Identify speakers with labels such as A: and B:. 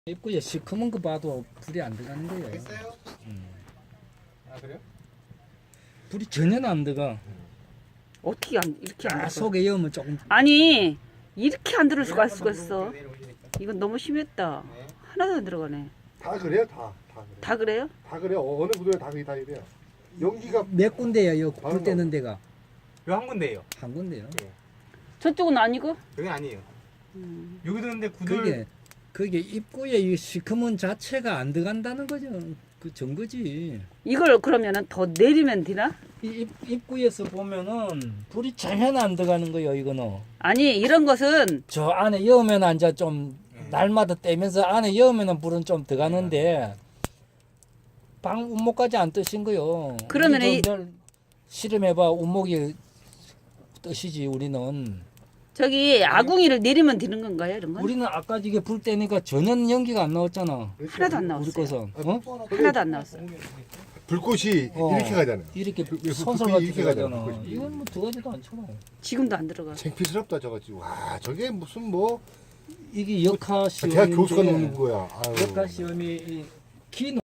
A: 입구에 시커먼 거 봐도 불이 안 들어가는 거예요.
B: 됐어요? 아 그래요?
A: 불이 전혀 안 들어가.
C: 어떻게 이렇게 안
A: 아,
C: 들어?
A: 속에 여면 조금.
C: 아니 이렇게 안 들을 수가
B: 한번
C: 있어.
B: 누르고 내려오시니까.
C: 이건 너무 심했다.
B: 네.
C: 하나도 안 들어가네.
D: 다 그래요, 다 그래.
C: 다 그래요?
D: 다 그래요. 어느 구도에 다 이래요. 연기가
A: 몇 군데야, 여기 불
D: 바로
A: 때는 데가.
B: 이거 한 군데예요.
A: 한 군데요.
C: 저쪽은 아니고?
B: 여긴 아니에요.
C: 음.
B: 여기도 근데 구들
A: 그게 입구에 이 시커먼 자체가 안 들어간다는 거죠. 그 증거지.
C: 이걸 그러면은 더 내리면 되나?
A: 이 입구에서 보면은 불이 전혀 안 들어가는 거예요, 이거는.
C: 아니 이런 것은
A: 저 안에 여면 앉아 좀 날마다 떼면서 안에 여면은 불은 좀 들어가는데 방 운목까지 안 뜨신 거요.
C: 그러면 이-
A: 실험해봐 운목이 뜨시지 우리는.
C: 저기 아궁이를 내리면 되는 건가요, 이런 건?
A: 우리는 아까 이게 불 때니까 전혀 연기가 안 나왔잖아.
C: 하나도 안
A: 우리
C: 나왔어요.
A: 것은
C: 하나도 안 나왔어.
D: 불꽃이
A: 어.
D: 이렇게 가잖아요.
A: 이렇게
D: 왜
A: 선설같이
D: 이렇게 가잖아,
A: 가잖아.
D: 불꽃이.
A: 이건 뭐 들어가지도 않잖아.
C: 지금도 안 들어가.
D: 창피스럽다 저거 지금. 와, 저게 무슨 뭐
A: 이게 역학
D: 대학 교수가
A: 시험인데
D: 놓는 거야. 아유.
A: 역학 시험이 이 기